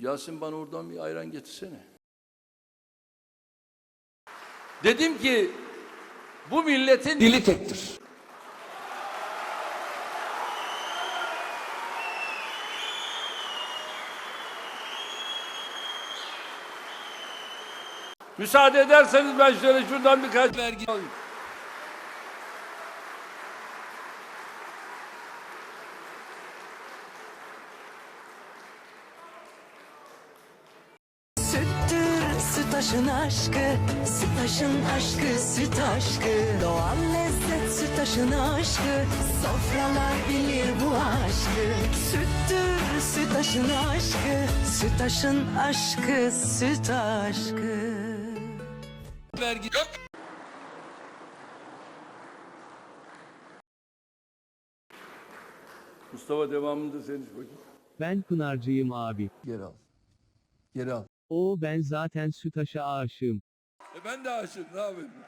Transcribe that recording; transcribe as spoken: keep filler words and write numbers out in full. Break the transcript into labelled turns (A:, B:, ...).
A: Yasin bana oradan bir ayran getirsene. Dedim ki bu milletin dili tektir. Müsaade ederseniz ben şöyle şuradan birkaç vergi alayım.
B: Süttür, sütaşın aşkı, sütaşın aşkı, süt aşkı. Doğal lezzet, sütaşın aşkı, sofralar bilir bu aşkı. Süttür, sütaşın aşkı, sütaşın aşkı, süt aşkı.
A: Vergi yok. Mustafa devamında senin bakayım.
C: Ben Pınarcıyım abi.
A: Geri al. Geri al.
C: Oo ben zaten Sütaş'a aşığım.
A: E ben de aşığım, ne yapayım?